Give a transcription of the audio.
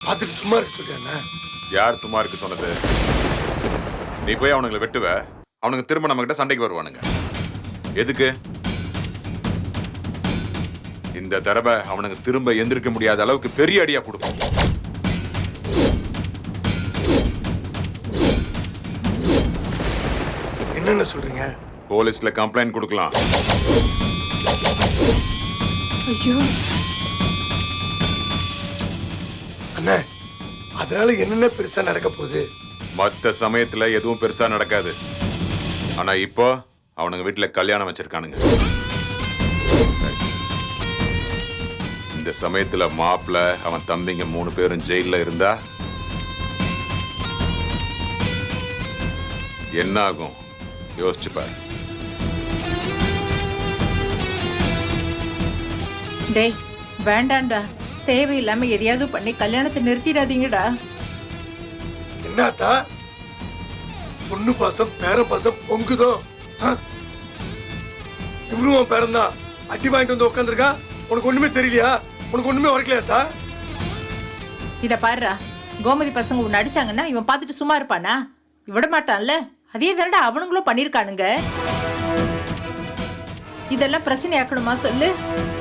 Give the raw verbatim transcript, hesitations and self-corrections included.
பார்த்துட்டு சும்மா இருக்க சொல்லியா? யார் சும்மா இருக்கு சொன்னது? நீ போய் அவனுங்களை வெட்டுவ, அவனுங்க திரும்ப நம்ம கிட்ட சண்டைக்கு வருவானுங்க. எதுக்கு? இந்த தடவை அவனுக்கு திரும்ப எந்திரிக்க முடியாத அளவுக்கு பெரிய அடியா கொடுக்கும். என்னென்ன சொல்றீங்க? போலீஸ்ல கம்ப்ளைண்ட் கொடுக்கலாம். ஐயோ அண்ணா, அதனால என்னென்ன பெருசா நடக்க போகுது? மற்ற சமயத்துல எதுவும் பெருசா நடக்காது. ஆனா இப்போ அவனுங்க வீட்டுல கல்யாணம் வச்சிருக்கானுங்க. இந்த சமயத்துல மாப்பிள்ள அவன் தம்பிங்க மூணு பேரும் ஜெயில இருந்தா என்ன ஆகும் யோசிச்சு பாரு. டேய் வேண்டாம்டா, தேவையில்லாம எதையாவது பண்ணி கல்யாணத்தை நிறுத்திடாதீங்கடா. என்னத்தா பொண்ணு பாசம் பேர பாசம் பொங்குதோ? இவனும் பேரன் தான் அடி வாங்கிட்டு வந்து உட்காந்துருக்கா. உனக்கு ஒண்ணுமே தெரியலையா? உனக்கு ஒண்ணுமே உரைக்கலையாத்தா? இத பாருடா, கோமதி பசங்க உன்னை அடிச்சாங்கன்னா இவன் பார்த்துட்டு சும்மா இருப்பானா? விட மாட்டான்ல. அதே தானடா அவனுங்களும் பண்ணிருக்கானுங்க. இதெல்லாம் பிரச்சனை ஆக்கணுமா சொல்லு?